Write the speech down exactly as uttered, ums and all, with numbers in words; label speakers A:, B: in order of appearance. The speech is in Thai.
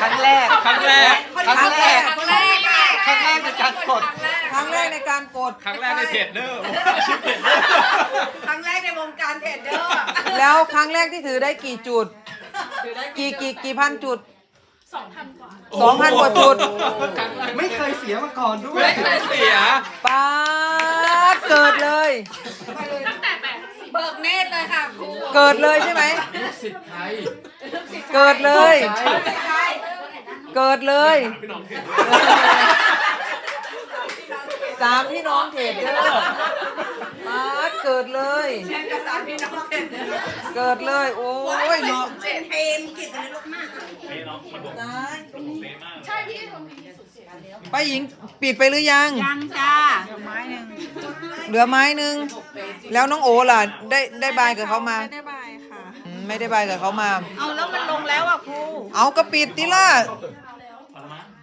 A: รั้งแรก
B: ครั้งแรก
A: ครั้งแรก
C: ครั้งแรก
A: ครั้งแรกในการกด
D: ครั้งแรกในการกด
B: ครั้งแรกในเทรดเดอร์อาชีพเทรดเดอร์
C: ครั้งแรกในวงการเทรดเดอร์
D: แล้วครั้งแรกที่ถือได้กี่จุด กี่กี่กี่พันจุดสองพันกว่าสองพันกว่าจุด
A: ไม่เคยเสียมาก่อนด้วย
B: ไม่เคยเสีย
D: ป๊าดเกิดเลย
C: เบิกเนตรเลยค่ะครู
D: เกิดเลยใช่ไหม
B: สิทธิ์ไทย
D: เกิดเลย
C: ใช่
D: เกิดเลย
B: พี่น้องเทรด
D: สามพี่น้องเทรดเดอร์ป๊าดเกิดเลย
C: เช่นกับสามพี่น้องเทรดเดอร์
D: เกิดเลย โอ้ยเนาะ
C: เทรดเทมกิจอะไรลูกมาก
D: ป้าหญิงปิดไปหรือยัง
C: ยังจ้าไม้หนึ่ง
D: เหลือไม้หนึ่งแล้วน้องโอล่ะได้ได้บายกับเขามา
C: ไม่ได้บายค่ะ
D: อืมไม่ได้บายกับเขามา
C: เอาแล้วมันลงแล้วอ่ะครู
D: เอากระปิดติล่ะ